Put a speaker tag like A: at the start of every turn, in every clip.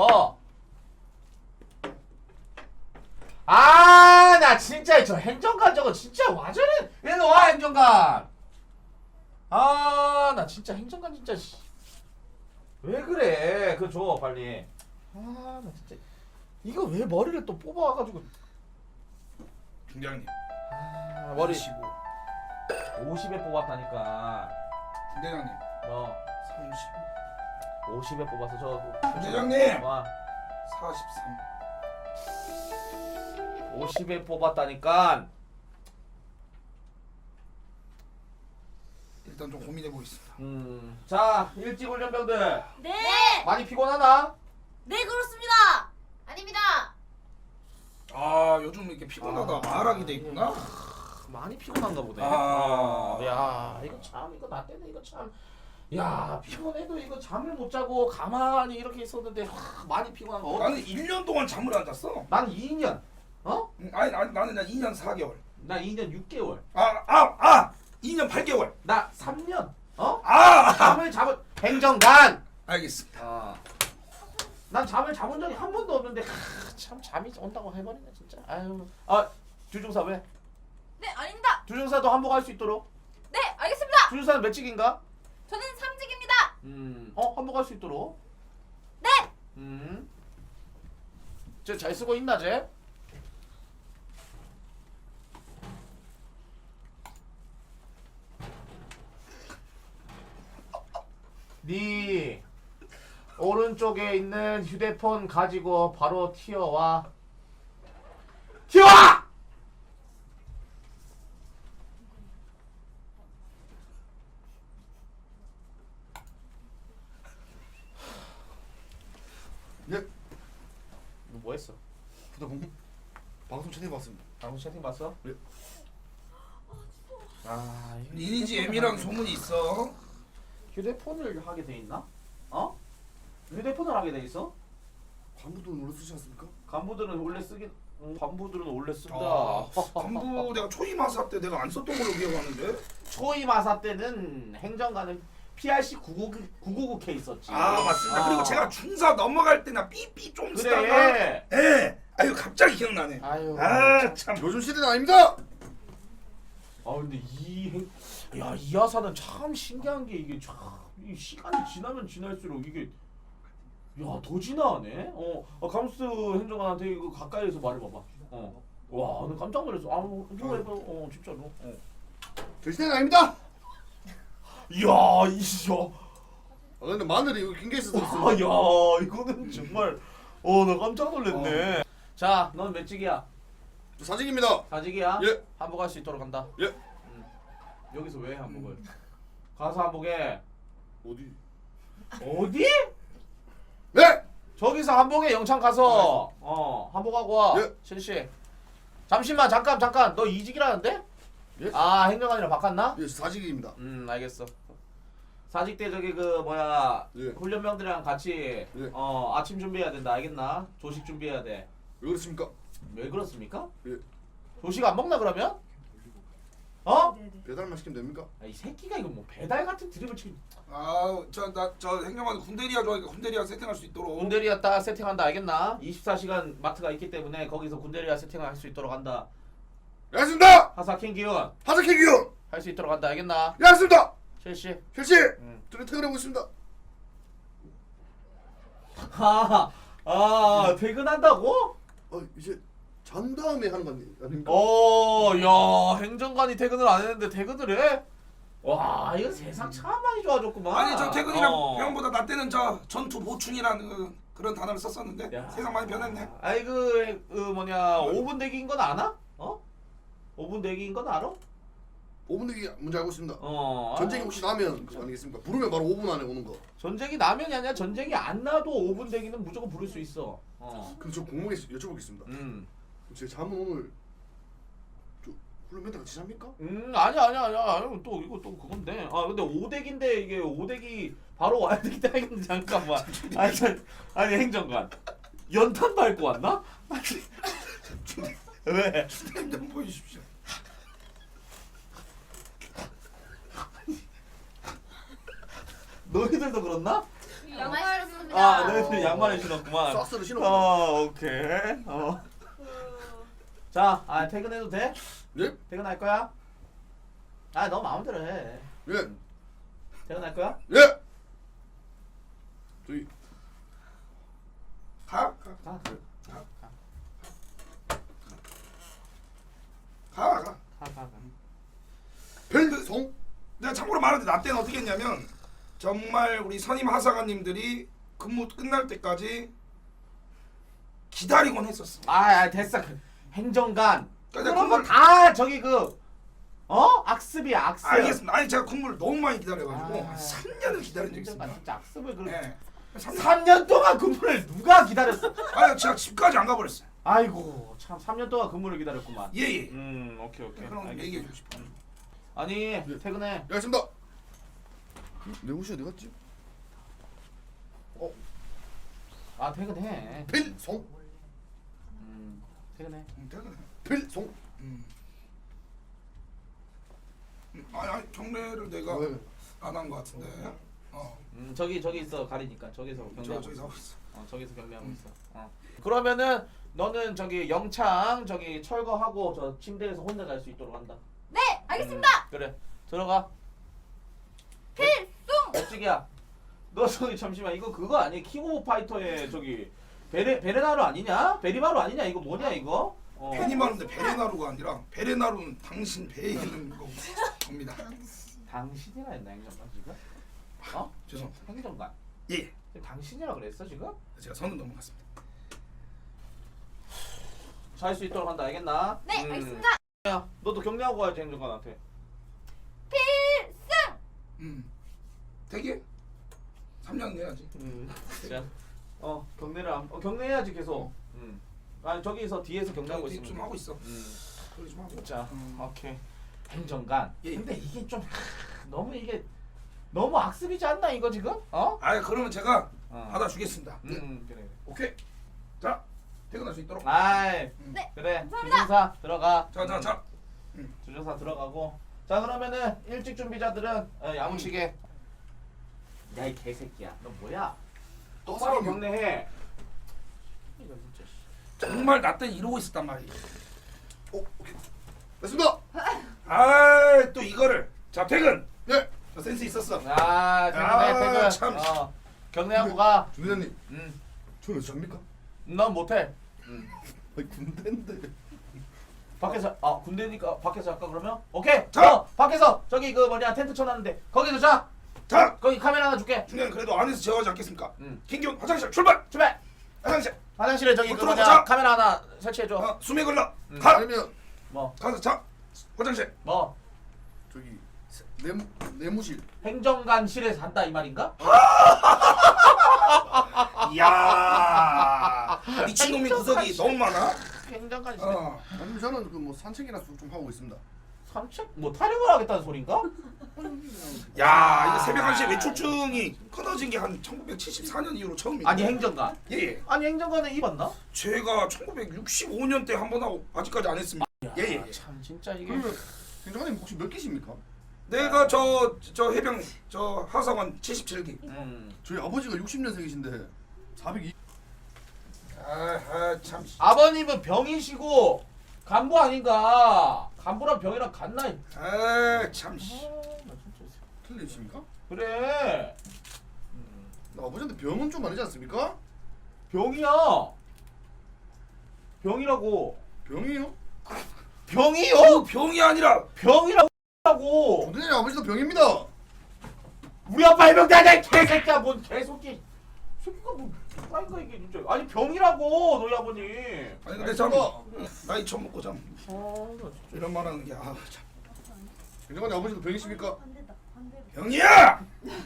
A: 뭐? 아, 나 진짜 저 행정관 저거 진짜 와저래. 일로 와, 행정관. 아, 나 진짜 행정관 진짜 왜 그래? 그거 줘 빨리. 아, 나 진짜 이거 왜 머리를 또 뽑아와가지고.
B: 중장님.
A: 아, 머리
B: 15.
A: 50에 뽑았다니까.
B: 중대장님.
A: 어,
B: 30.
A: 50에 뽑아서 저.
B: 중대장님.
A: 와,
B: 43.
A: 50에 뽑았다니까.
B: 일단 좀 고민해 보겠습니다.
A: 자, 일찍 훈련병들
C: 네!
A: 많이 피곤하나?
C: 네, 그렇습니다! 아닙니다!
B: 아 요즘 이렇게 피곤하다 말하게 돼 있구나.
A: 많이 피곤한가 보네.
B: 아.
A: 야, 이거 참, 이거 나 때문에 이거 참. 야, 피곤해도 이거 잠을 못 자고 가만히 이렇게 있었는데 많이 피곤한 거.
B: 나는 1년 동안 잠을 안 잤어.
A: 나는 2년. 어?
B: 아니 나는 2년 4개월.
A: 나 2년 6개월.
B: 2년 8개월.
A: 나 3년. 어?
B: 아
A: 잠을 잡은 행정관.
B: 알겠습니다.
A: 난 잠을 잡은 적이 한 번도 없는데 참 잠이 온다고 해버리네 진짜. 아유. 아, 주중사 왜?
C: 네, 아닙니다!
A: 주중사도 한복할 수 있도록.
C: 네, 알겠습니다!
A: 주중사는 몇 직인가?
C: 저는 3직입니다!
A: 한복할 수 있도록.
C: 네!
A: 쟤 잘 쓰고 있나 쟤? 네 오른쪽에 있는 휴대폰 가지고 바로 튀어와. 튀어와!
D: 예,
A: 너 뭐 했어?
D: 방송 채팅 봤습니다.
A: 방금 채팅 봤어?
D: 예.
A: 아, 이거
B: 리니지
A: 휴대폰을
B: M이랑
A: 하게-
B: 소문이 있어.
A: 휴대폰을 하게 돼 있나? 어? 휴대폰을 하게 돼 있어?
D: 관부도 원래 쓰지 않습니까?
A: 간부들은 원래 쓰긴 간부들은 원래 쓴다.
B: 전부 내가 초임하사 때 내가 안 썼던 걸로 기억하는데.
A: 초임하사 때는 행정관은 PRC 999K 있었지.
B: 아 맞습니다.
A: 아.
B: 그리고 제가 중사 넘어갈 때나 삐삐 좀 쓰다가
A: 그래.
B: 예. 아유 갑자기 기억나네.
A: 아유.
B: 아 참.
D: 요즘 시대는 아닙니다.
A: 아 근데 이 하사는 참 신기한 게 이게 참 이 시간이 지나면 지날수록 이게 더 진화하네. 감스 행정관한테 이거 가까이에서 말해봐봐. 와, 나 깜짝 놀랐어. 누가 해봐. 진짜로.
D: 저 시대는 아닙니다.
A: 이야, 이야.
D: 근데 마늘이 여기 긴게 있어서
A: 아, 야, 이거는 정말 나 깜짝 놀랐네. 자, 넌 몇 직이야?
D: 저 사직입니다.
A: 사직이야?
D: 예.
A: 한복할 수 있도록 한다.
D: 예.
A: 여기서 왜 한복을? 가서 한복해.
D: 어디?
A: 어디?
D: 네.
A: 저기서 한복에 영창 가서 한복하고 와.
D: 예.
A: 실시. 잠시만 잠깐 너 이직이라는데?
D: 예?
A: 아, 행정관이랑 바꿨나?
D: 예, 사직입니다.
A: 알겠어. 사직 때 저기 그 뭐야
D: 예.
A: 훈련병들이랑 같이
D: 예.
A: 아침 준비해야 된다. 알겠나? 조식 준비해야 돼.
D: 왜 그렇습니까?
A: 왜 그렇습니까?
D: 예.
A: 조식 안 먹나 그러면?
D: 배달만 시키면 됩니까?
A: 이 새끼가 이거 뭐 배달 같은 드립을 치고.
B: 아저 행정관 군대리아 좋아하니까 군대리아 세팅할 수 있도록.
A: 군대리아 딱 세팅한다. 알겠나? 24시간 마트가 있기 때문에 거기서 군대리아 세팅을 할 수 있도록 한다.
D: 예, 알겠습니다.
A: 하사킹 기운
D: 하사키 기운.
A: 할 수 있도록 한다. 알겠나?
D: 예, 알겠습니다.
A: 실시.
D: 실시.
A: 응.
D: 저는 퇴근하고 있습니다.
A: 퇴근한다고?
D: 이제 잔 다음에 하는 거 아닙니까?
A: 야, 행정관이 퇴근을 안 했는데 퇴근을 해? 와, 이거 세상 참 많이 좋아졌구만.
B: 아니 저 퇴근이랑 병보다 나 때는 저 전투 보충이라는 그런 단어를 썼었는데
A: 야.
B: 세상 많이 변했네.
A: 아이 그 뭐냐 5분 대기인 건 아나? 5분 대기인 건 알아?
D: 5분 내기 문제 알고 있습니다.
A: 아.
D: 전쟁이 혹시 나면 그거 아니겠습니까? 부르면 바로 5분 안에 오는 거.
A: 전쟁이 나면이 아니라 전쟁이 안 나도 5분 대기는 무조건 부를 수 있어.
D: 근데 저 궁금해 여쭤보겠습니다. 제 잠은 오늘 저 훈련 멘트 같이 잡니까?
A: 아니야. 또 이거 또 그건데. 근데 5대기인데 이게 5대기 바로 와야 되기 때문에 잠깐만. 아니 행정관. 연탄 밟고 왔나? 왜?
B: 좀 보여주십시오.
A: 너희들도 그렇나?
C: 양말을 쓰는
A: 아, 너희들 양말을 신었구만.
D: 삭스를 신어.
A: 오케이. 자, 퇴근해도 돼?
D: 예?
A: 퇴근할 거야? 너 마음대로 해.
D: 예.
A: 퇴근할 거야?
D: 예. 저기
B: 가.
A: 가.
D: 벨송.
B: 내가 참고로 말하는데 나 때는 어떻게 했냐면 정말 우리 선임 하사관님들이 근무 끝날 때까지 기다리곤 했었어.
A: 됐어. 행정관.
B: 그러니까
A: 그런 거
B: 그걸-
A: 다 저기 악습이야, 악습.
B: 알겠습니다. 아니 제가 근무를 너무 많이 기다려가지고
A: 아.
B: 한 3년을 기다린 적이
A: 행정관
B: 있습니다.
A: 진짜 악습을
B: 네.
A: 3년 동안 근무를 누가 기다렸어?
B: 아니 제가 집까지 안 가버렸어요.
A: 아이고, 참 3년 동안 근무를 기다렸구만.
B: 예예.
A: 오케이.
B: 그럼
A: 알겠어.
B: 얘기해 주고 싶어.
A: 아니, 퇴근해.
D: 알겠습니다. 내 옷이 어디 갔지?
A: 퇴근해.
D: 벨송.
A: 퇴근해.
B: 퇴근해.
D: 벨송.
B: 아니 경례를 내가
D: 왜?
B: 안 한 것 같은데.
A: 저기 있어, 가리니까. 저기서 경례하고
B: 저기서
A: 있어.
B: 하고 있어.
A: 저기서 경례하고 있어. 그러면은 너는 저기 영창 저기 철거하고 저 침대에서 혼자 잘 수 있도록 한다.
C: 네, 알겠습니다.
A: 그래. 들어가.
C: 필승.
A: 멋지기야. 너 저기 잠시만 이거 그거 아니? 킹오브 파이터의 저기 베레나루 아니냐? 베리마루 아니냐? 이거 뭐냐 이거?
B: 페니마루인데 베레나루가 아니라 베레나루는 당신 배에 있는 겁니다.
A: 당신이라 했나 행정관 지금?
B: 죄송합니다.
A: 행정관.
B: 예.
A: 지금 당신이라 그랬어 지금?
B: 제가 선은 넘어갔습니다.
A: 잘 수 있도록 한다. 알겠나?
C: 네, 알겠습니다.
A: 야, 너도 경례하고 가야지 행정관한테.
C: 필승.
B: 되게 3년 내야지.
A: 자, 경례를 경례해야지 계속. 아니 저기서 뒤에서 경례하고
B: 좀
A: 있으면.
B: 하고 있어. 그러지 좀 하고.
A: 자, 오케이. 행정관.
B: 예.
A: 근데 이게 좀 이게 너무 악습이지 않나 이거 지금?
B: 그러면 제가
A: 어.
B: 받아주겠습니다.
A: 그래.
B: 오케이. 자 퇴근할 수 있도록.
A: 아이,
C: 네,
A: 그래.
C: 감사합니다.
A: 주정사 들어가.
B: 자.
A: 주정사 들어가고. 자, 그러면은 일찍 준비자들은 야무치게. 야, 이 개새끼야. 너 뭐야? 똑바로 경례해. 이거 진짜.
B: 정말 나 때 이러고 있었단 말이야.
D: 오케이. 됐습니다.
B: 또 이거를. 자 퇴근.
D: 네.
B: 저 센스 있었어.
A: 퇴근해.
B: 참.
A: 경례하고 가.
D: 중대장님.
A: 음.
D: 저는 잡니까?
A: 넌 못해.
D: 아니 군대인데.
A: 밖에서 군대니까 밖에서 할까 그러면? 오케이.
B: 자!
A: 밖에서 저기 그 텐트 쳐놨는데 거기서 자.
B: 자
A: 거기 카메라 하나 줄게.
B: 중요한 그래도 안에서 제어하지 않겠습니까?
A: 응.
B: 김기훈 화장실 출발.
A: 출발.
B: 화장실.
A: 화장실에 저기 그
B: 들어가자.
A: 카메라 하나 설치해 줘.
B: 수미 걸러.
A: 가.
D: 아니면
A: 뭐?
B: 가서 자 화장실.
A: 뭐?
D: 저기 내무실.
A: 행정관실에서 한다 이 말인가?
B: 이야 미친놈이 구석이 너무 많아.
A: 행정관실.
D: 아니면 저는 그 뭐 산책이나 좀 하고 있습니다.
A: 산책? 뭐 타령을 하겠다는 소린가?
B: 야 이거 새벽 1시에 외출증이 끊어진 게 한 1974년 이후로 처음이에요.
A: 아니 행정관.
B: 예.
A: 아니 행정관은 입었나?
B: 제가 1965년 때 한 번 하고 아직까지 안 했습니다. 예.
A: 참 진짜 이게.
D: 그러면 행정관님 혹시 몇 기십니까?
B: 내가 저 해병 저 하사관 77기.
D: 저희 아버지가 60년생이신데 402.
B: 참.
A: 아버님은 병이시고 간부 아닌가? 간부랑 병이랑 같나?
B: 참.
A: 나 진짜.
D: 틀리십니까?
A: 그래.
D: 나 아버지한테 병은 좀 아니지 않습니까?
A: 병이야. 병이라고.
D: 병이요?
A: 병이요?
B: 병이 아니라
A: 병이라고.
D: 중대장님 아버지도 병입니다.
A: 우리 아빠 해병대야 이 개새끼야 뭔 개새끼. 새끼가 뭐 아닌가 이게 진짜. 아니 병이라고 너희 아버님.
B: 아니 근데 참 나이 처먹고 참
A: 나 진짜.
B: 이런 말하는 게 참.
D: 행정관님 아버지도 병이십니까?
B: 병이야!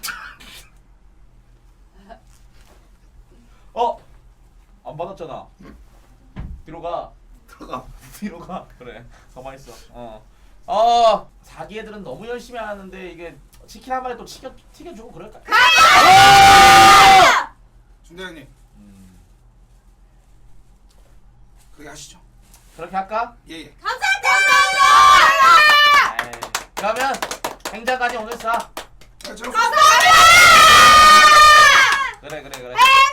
A: 안 받았잖아. 뒤로 가.
B: 들어가.
A: 뒤로 가. 그래. 가만히 있어. 사기 애들은 너무 열심히 하는데 이게 치킨 한 마리 또 튀겨주고 그럴까?
B: 중대장님 그렇게 하시죠.
A: 그렇게 할까?
B: 예.
C: 감사합니다.
A: 에이, 그러면 행장관이 오늘 쏴.
B: 저
C: 감사합니다.
A: 그래.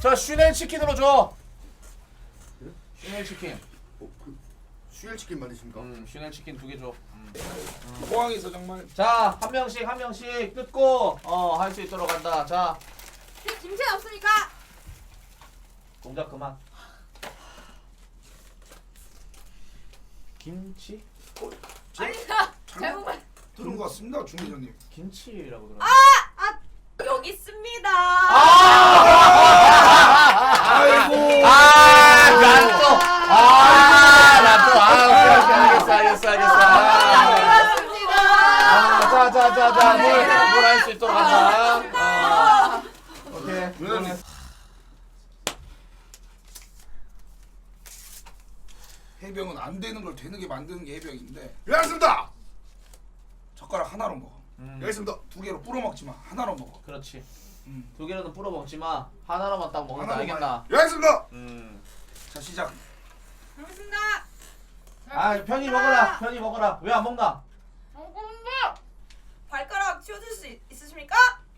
A: 자 슈넬 치킨으로 줘. 슈넬 치킨.
D: 그 슈엘 치킨 말이십니까?
A: 슈넬 치킨 2개 줘.
B: 포항에서 정말
A: 자, 한 명씩 뜯고 할 수 있도록 한다. 자,
C: 김치 없으니까.
A: 동작 그만. 김치?
C: 아니 나 잘못 말.
B: 들은 것 같습니다, 중 기자님.
A: 김치라고 들었.
C: 여기 있습니다.
B: 아이고.
A: 알겠어.
C: 반갑습니다.
A: 자, 뭘 할 수 있도록 한다. 오케이.
B: 해병은 안 되는 걸 되는 게 만드는 게 해병인데
D: 예 알겠습니다.
B: 젓가락 하나로 먹어.
D: 예 알겠습니다.
B: 2개로 뿌려 먹지 마. 하나로 먹어.
A: 그렇지.
B: 음.
A: 2개로는 뿌려 먹지 마. 하나로만 딱 먹는다.
B: 하나로만.
A: 알겠나?
D: 예 알겠습니다.
B: 자, 시작.
C: 반갑습니다.
A: 편히 먹어라. 왜 안 먹나?
C: 반갑습니다. 발가락 치워줄 수 있으십니까?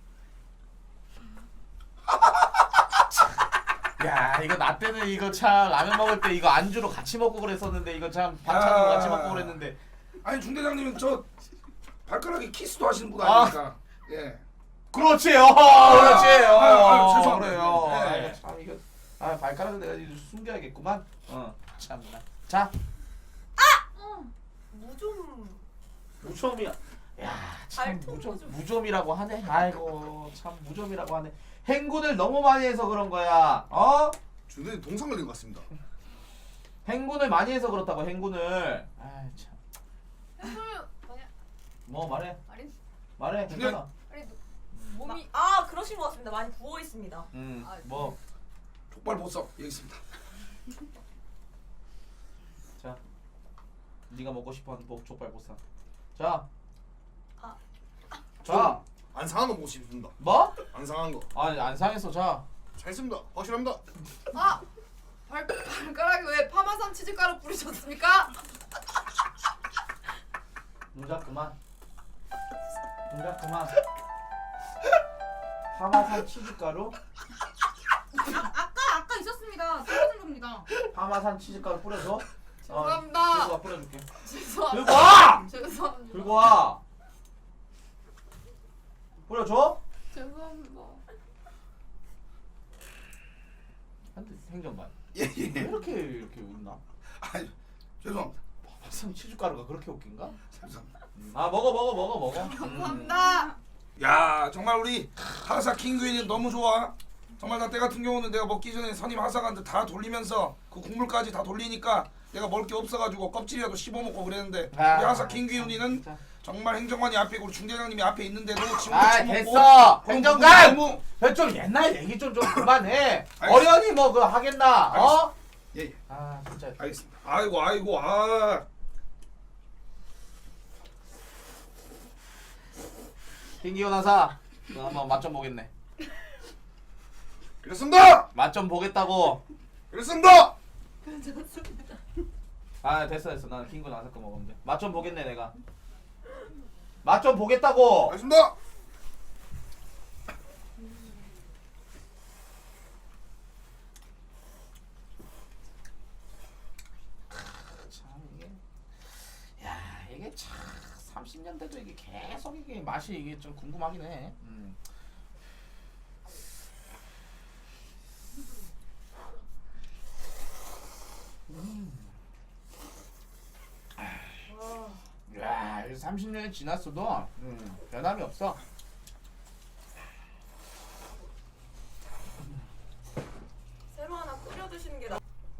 A: 야, 이거 나 때는 이거 참 라면 먹을 때 이거 안주로 같이 먹고 그랬었는데 이거 참 반찬으로 같이 먹고 그랬는데.
B: 아니 중 대장님은 저 발가락에 키스도 하시는 분 아닙니까? 예.
A: 그렇지. 그렇지.
B: 죄송합니다.
A: 그래요.
B: 네.
A: 아이고, 참 이거 발가락을 내가 이제 숨겨야겠구만. 참나. 자, 무좀이야. 야, 참
C: 발톱 무좀.
A: 무좀이라고 하네. 아이고, 참 무좀이라고 하네. 행군을 너무 많이 해서 그런 거야. 어?
D: 주는 동상 걸린 것 같습니다.
A: 행군을 많이 해서 그렇다고 행군을. 아, 참.
C: 뭐냐?
A: 뭐 말해.
C: 아니
A: 말해. 괜찮아.
C: 몸이 그러신 것 같습니다. 많이 부어 있습니다.
A: 뭐.
B: 족발 보석 여기 있습니다.
A: 자, 네가 먹고 싶어하는 족발 보쌈. 자, 자,
D: 안 상한 거 먹고 싶습니다.
A: 뭐?
D: 안 상한 거.
A: 아니 안 상했어. 자,
D: 잘 있습니다. 확실합니다.
C: 발가락에 왜 파마산 치즈가루 뿌리셨습니까?
A: 동작 그만. 파마산 치즈가루?
C: 아까 있었습니다. 떨어진 겁니다.
A: 파마산 치즈가루 뿌려줘.
C: 죄송합니다.
A: 들고 와 뿌려줄게.
C: 죄송합니다.
A: 들고 와.
C: 죄송합니다.
A: 들고 와. 뿌려줘.
C: 죄송합니다.
A: 한대 행정관.
B: 예.
A: 왜 이렇게 웃나?
B: 아니 죄송합니다.
A: 파마산 치즈가루가 그렇게 웃긴가?
B: 죄송합니다.
A: 먹어.
C: 감사합니다.
B: 야 정말 우리 하사 킹그윈이 너무 좋아. 정말 나 때 같은 경우는 내가 먹기 전에 선임 하사관들 다 돌리면서 그 국물까지 다 돌리니까 내가 먹을 게 없어가지고 껍질이라도 씹어 먹고 그랬는데 우리 하사 킹그윈이는 정말 행정관이 앞에 있고 우리 중대장님이 앞에 있는데도 지금도 처먹고
A: 됐어. 행정관.
B: 너무
A: 좀 옛날 얘기 좀 그만해.
B: 알겠습니다.
A: 어련히 뭐 그거 하겠나? 어?
B: 예.
A: 진짜.
B: 알겠습니다. 아이고 아.
A: 김기호 나사. 너 한번 맛 좀 보겠네.
D: 그렇습니다.
A: 맛 좀 보겠다고.
D: 그렇습니다.
A: 됐어. 나는 김기호 나사 거 먹으면 돼. 맛 좀 보겠네 내가. 맛 좀 보겠다고.
D: 알겠습니다.
A: 참 이게. 야 이게 참 30년 돼도 이게 계속 이게 맛이 이게 좀 궁금하긴 해. 야, 30년이 지났어도 변함이 없어.
C: 새로 하나 끓여 드시는 게 나.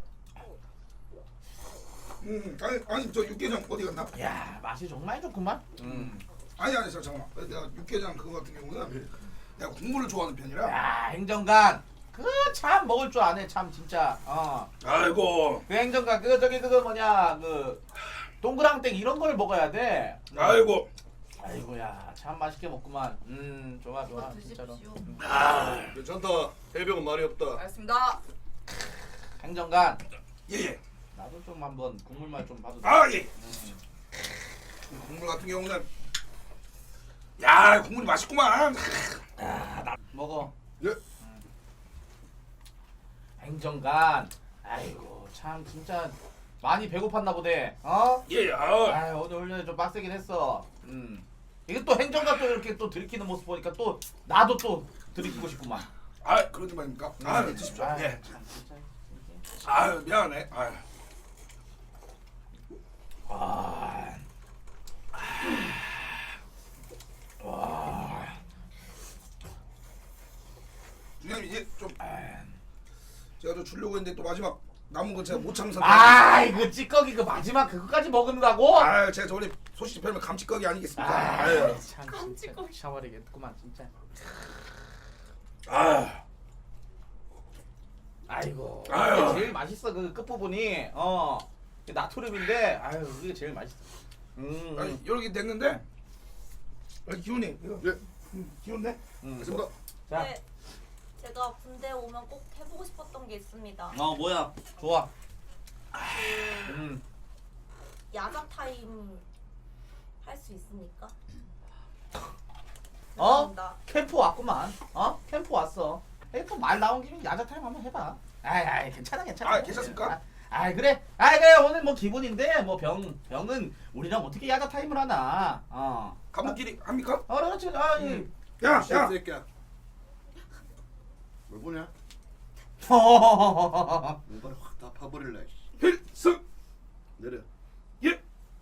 B: 아니 저 육개장 어디 갔나?
A: 야, 맛이 정말 좋구만.
B: 아니 잠깐만. 내가 육개장 그거 같은 경우는 내가 국물을 좋아하는 편이라.
A: 야, 행정관. 그 참 먹을 줄 아네. 참 진짜.
B: 아이고.
A: 그 행정관 그거 뭐냐 그 동그랑땡 이런 걸 먹어야 돼.
B: 아이고.
A: 아이고야, 참 맛있게 먹구만. 좋아 진짜로.
D: 괜찮다. 해병은 말이 없다.
C: 알겠습니다.
A: 행정관.
B: 예.
A: 나도 좀 한번 국물 맛 좀 봐도 돼.
B: 예. 국물 같은 경우는 야 국물이 맛있구만.
A: 먹어.
D: 예.
A: 행정관. 아이고 참 진짜 많이 배고팠나 보네. 어?
B: 예.
A: 아 오늘 훈련이 좀 빡세긴 했어. 이게 또 행정관 또 이렇게 또 들키는 모습 보니까 또 나도 또 들키고 싶구만.
B: 그러지 말입니까? 네, 드십시오.
A: 아유,
B: 예.
A: 참 진짜.
B: 미안해.
A: 와.
B: 주장님 이제 좀 제가 좀 주려고 했는데 또 마지막 남은 건 제가 못 참선.
A: 이거 찌꺼기 그 마지막 그거까지 먹는다고?
B: 제가 저 원래 소시지 별명 감찌꺼기 아니겠습니까?
A: 참 진짜
C: 깜찍거려.
A: 샤워리겠구만 진짜. 아이고
B: 아유.
A: 이게 제일 맛있어 그 끝부분이 이게 나트륨인데 아유 그게 제일 맛있어.
B: 아니 이렇게 됐는데 기훈이 이거
D: 예.
B: 기훈네?
D: 알겠습니다.
A: 자,
C: 네, 제가 군대 오면 꼭 해보고 싶었던 게 있습니다.
A: 뭐야 좋아.
C: 그 야자 타임 할 수 있습니까? 죄송합니다.
A: 캠프 왔구만. 캠프 왔어. 또말 나온 김에 야자 타임 한번 해봐. 아이 괜찮아.
B: 괜찮습니까?
A: 그래. 오늘 뭐 기분인데 뭐 병은 우리랑 어떻게 야자 타임을 하나.
B: 간부끼리 합니까?
A: 그렇지.
B: 야!
D: 새끼야. 뭘 보냐?
A: 어.
D: 뭔가를 확 다 파버릴래.
B: 필승!
D: 내려.
B: 예!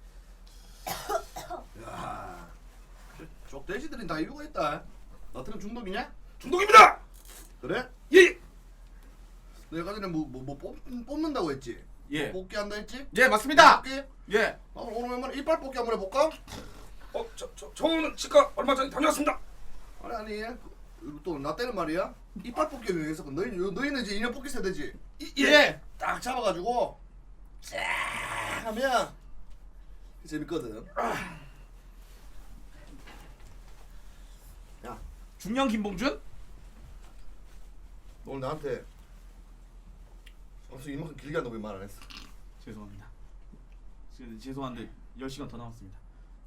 D: 야, 쪽돼지들이 다 이유가 있다. 나트륨 중독이냐?
B: 중독입니다!
D: 그래?
B: 예!
D: 내가 전에 뭐 뽑는다고 했지?
A: 예.
D: 뽑기 한다 했지?
A: 예 맞습니다.
D: 뽑기?
A: 예.
D: 오늘 웬만한 이빨 뽑기 한번 해볼까?
B: 저는 치과 얼마 전에 다녀왔습니다.
D: 아니 또 나 때는 말이야. 이빨 뽑기 위해서 너희는 이제 인형 뽑기 세대지?
A: 예.
D: 딱 잡아가지고 쫙 하면 재밌거든. 야,
A: 중년 김봉준?
D: 오늘 나한테 이만큼 길게 한다고 왜 말 안 했어?
A: 죄송합니다. 죄송한데 10시간 더 남았습니다.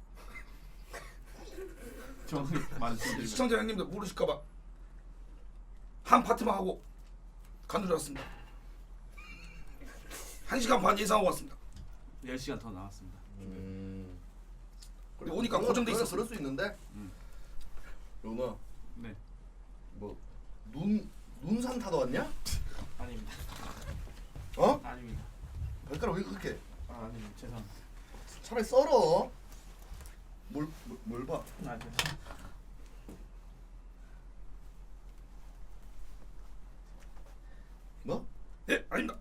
A: 정확히 말씀드리면
B: 시청자 형님들 모르실까봐 한 파트만 하고 간두렸습니다. 1시간 반 예상하고 왔습니다.
A: 10시간 더 남았습니다.
B: 그리고 오니까 고정돼 있었어.
D: 그럴 수 있는데. 너
A: 네.
D: 뭐 눈산 타도 왔냐?
A: 아닙니다.
D: 어?
A: 아닙니다.
D: 발가락 왜 그렇게?
A: 아닙니다. 죄송합니다.
D: 차라리 썰어. 뭘 봐?
A: 죄송합니다.
D: 뭐?
B: 예, 아닙니다.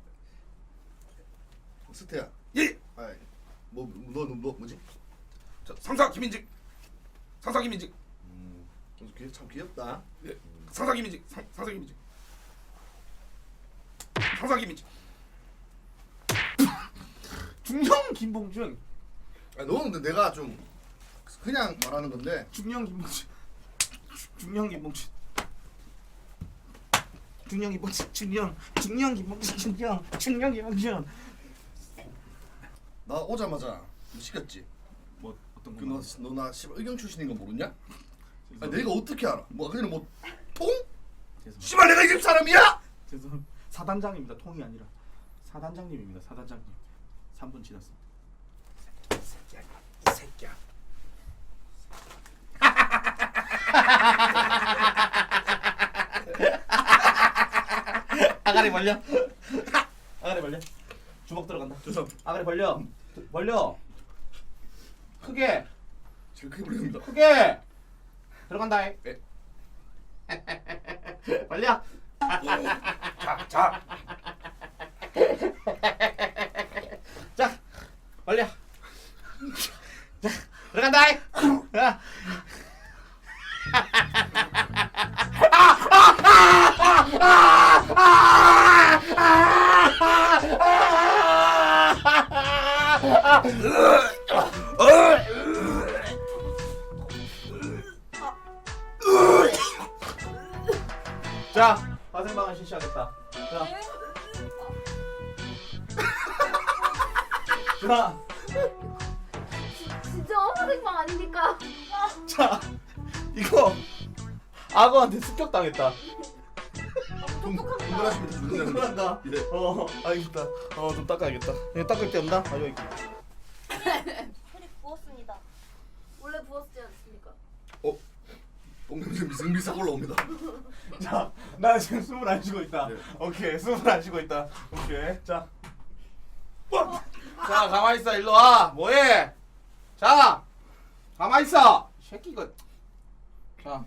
D: 스테야.
B: 예!
D: 아이, 너 뭐지?
B: 상사 김인직. 상사 김인직.
D: 참 귀엽다.
B: 예. 상사 김인직. 상사 김인직. 상사 김인직.
A: 중년 김봉준.
D: 너는 근데 내가 좀 그냥 말하는 건데.
A: 중년 김봉준. 중년 김봉준. 중년 김봉준. 중년 김봉준. 중년 김봉준.
D: 나 오자마자 시켰지.
A: 뭐 어떤 거?
D: 너나 의경 출신인 거 모르냐?
A: 죄송합니다.
D: 내가 어떻게 알아? 뭐 그냥 뭐 통?
A: 죄송합니다.
D: 씨발 내가 이 집 사람이야?
A: 죄송합니다. 사단장입니다. 통이 아니라 사단장님입니다. 사단장님. 3분 지났습니다.
B: 이 새끼야.
A: 아가리 벌려. 아가리 벌려. 주먹 들어간다.
B: 죄송합니다.
A: 아가리 벌려. 벌려. 크게.
D: 지금 크게 불립니다.
A: 크게. 들어간다.
B: 네.
A: 벌려.
B: 자.
A: 자. 벌려. 자. 들어간다. 야. 자, 화생방을 실시하겠다. 자,
C: 네?
A: 자,
E: 진짜 화생방 아닙니까?
A: 자, 이거 악어한테 습격당했다.
C: 똑똑합니다.
D: 충분하십니다. 충분합니다.
A: 충분한다.
D: 예.
A: 알겠다. 좀 닦아야겠다. 이거 닦을 데 없나? 여기.
C: 소리 부었습니다. 원래 부었지 않습니까?
D: 똥냄새 미승비승 올라옵니다.
A: 자, 나 지금 숨을 안 쉬고 있다.
D: 예.
A: 오케이, 숨을 안 쉬고 있다. 오케이, 자. 자, 가만히 있어. 일로 와. 뭐해? 자, 가만히 있어. 새끼 이거. 자,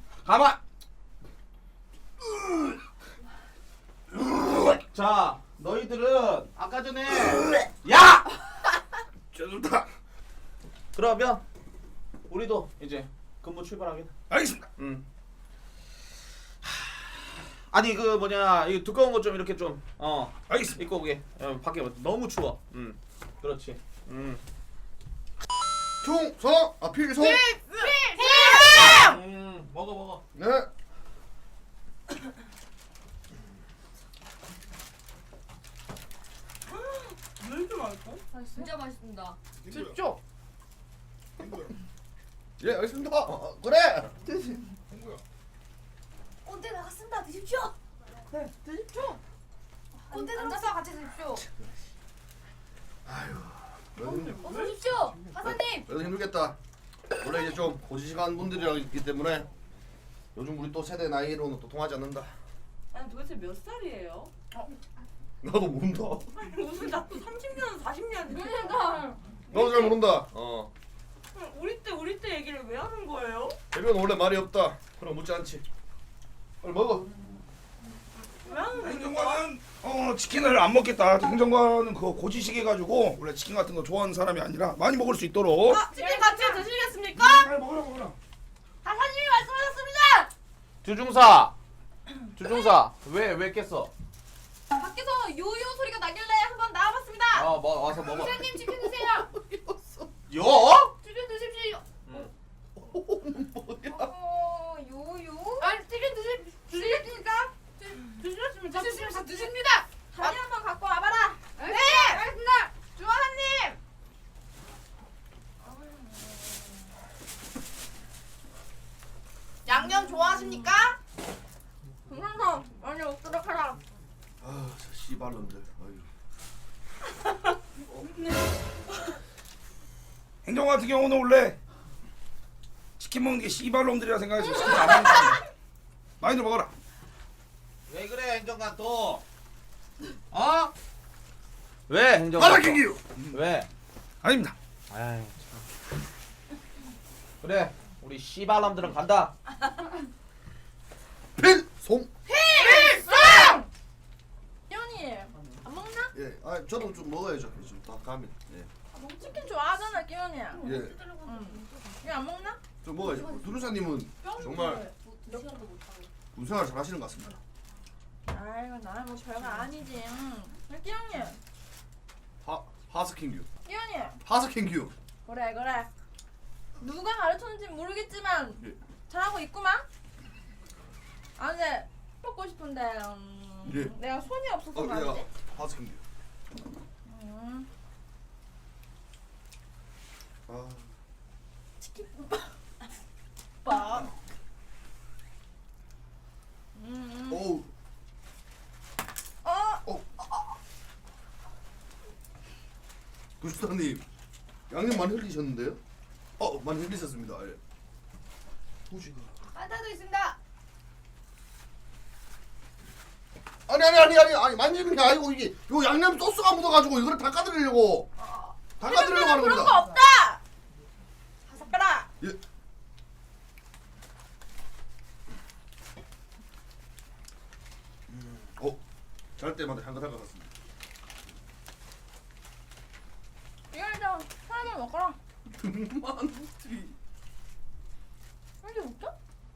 A: 자, 너희들은 아까 전에 야!
B: 죄송합니다.
A: 그러면 우리도 이제 근무 출발하겠다.
B: 알겠습니다.
A: 아니 그 뭐냐 이 두꺼운 거 좀 이렇게 좀
B: 알겠습니다.
A: 입고 오게. 밖에 너무 추워. 그렇지.
D: 충성 필성.
A: 먹어.
D: 네.
C: 왜 이렇게 맛있어? 진짜 맛있습니다.
A: 집중.
D: 예 알겠습니다. 그래.
C: 꼰대 나갔습니다. 드십시오.
A: 네, 드십시오.
C: 꼰대 앉아서 같이 드십시오.
D: 형님
C: 어서 오십시오. 하사님.
D: 그래도 힘들겠다. 원래 이제 좀 고지식한 분들이랑 있기 때문에 요즘 우리 또 세대 나이로는 또 통하지 않는다.
C: 아니 도대체 몇 살이에요?
D: 나도 모른다.
C: 무슨 자꾸 30년, 40년 그러니까
D: 나도 잘 모른다.
C: 우리 때 얘기를 왜 하는 거예요?
D: 대변 원래 말이 없다. 그럼 묻지 않지. 빨리 먹어.
C: 왜 하는 거예요?
B: 행정관은 치킨을 안 먹겠다. 행정관은 그거 고지식해 가지고 원래 치킨 같은 거 좋아하는 사람이 아니라 많이 먹을 수 있도록.
C: 치킨 같이 드시겠습니까?
B: 빨리 먹어라.
C: 하사님이 말씀하셨습니다.
A: 주중사 왜 깼어?
C: 밖에서 요요 소리가 나길래 한번 나와봤습니다.
A: 와서 먹어.
C: 사장님 치킨 드세요.
A: 요?
C: 치킨 드십시오.
A: 뭐야?
C: 요요? 아니 치킨 드시겠습니까? 드시겠습니다. 드십니다. 다리 한번 갖고 와봐라. 네, 알겠습니다. 주하님. 양념 좋아하십니까? 동상성 많이 먹도록 하라.
D: 아, 저 씨발놈들.
B: 행정관 같은 경우는 원래 치킨 먹는 게 씨발놈들이라 생각해서 치킨 안 먹는 사람. 많이들 먹어라.
A: 왜 그래 행정관 또? 왜 행정관?
B: 하나 킹기요.
A: 왜?
B: 아닙니다.
A: 아이 참. 그래 우리 씨발놈들은 간다.
D: 필송.
C: 연이 안 먹나?
D: 예, 저도 좀 먹어야죠. 지금 다 가면. 예,
C: 치킨 좋아하잖아, 끼연이.
D: 예,
C: 이거 안 먹나?
D: 좀 먹어야죠. 두루사님은 정말 군생활 잘하시는 것 같습니다.
C: 아이고 나는 뭐 별거 아니지. 끼연이,
D: 하스킹규.
C: 끼연이.
D: 하스킹규.
C: 그래. 누가 가르쳤는지 모르겠지만
D: 예.
C: 잘하고 있구만. 아 근데 먹고 싶은데
D: 예.
C: 내가 손이 없어서
D: 예,
C: 말이지.
D: 하스킹규.
C: 음. 치킨 밥.
D: 오우. 구수사님 양념 많이 흘리셨는데요? 많이 흘리셨습니다. 예. 후지가.
C: 판타도 있습니다.
D: 아니 많이 흘린 게 아니고 이게 요 양념 소스가 묻어가지고 이거를 닦아드리려고 닦아드리려고 하는
C: 그런 거
D: 겁니다.
C: 없다. 삭가라.
D: 예. 잘 때마다 향긋할 것 같습니다.
C: 이거 일단 하나만 먹어라.
D: 등만두리.
C: 이게 웃겨?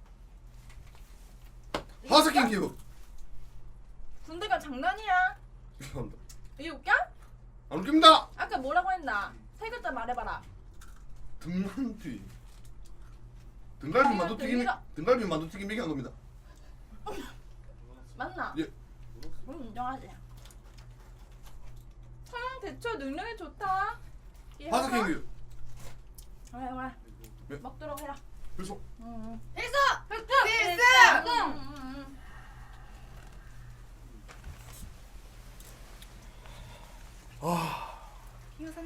D: 하스킹규.
C: 군대가 장난이야.
D: 죄송합니다.
C: 이게 웃겨?
D: 안 웃깁니다.
C: 아까 뭐라고 했나? 세 글자 말해봐라.
D: 등만두리. 등갈비 만두튀김
C: 등이라-
D: 등갈비 만두튀김 얘기한 겁니다.
C: 맞나?
D: 예.
C: 인정하지. 서양 대처 능력이 좋다.
D: 하스킹규.
C: 그래.
D: 예.
C: 먹도록 해라.
D: 그래서
C: 필수! 필수!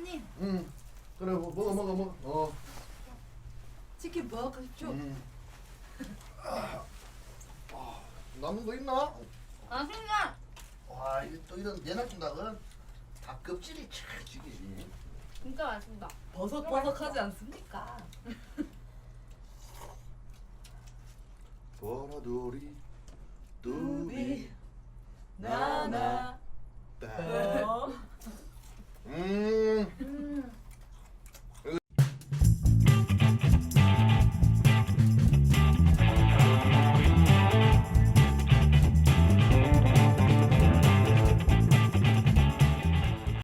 C: 형님
D: 그래 먹어.
C: 치킨 먹고 싶죠?
D: 남은 거 있나?
C: 맛있나?
D: 와 이게 또 이런 내놔준 닭은 닭 껍질이 참 죽이지.
C: 진짜 맛있다.
E: 버석버석하지 않습니까?
D: 보라돌이 뚜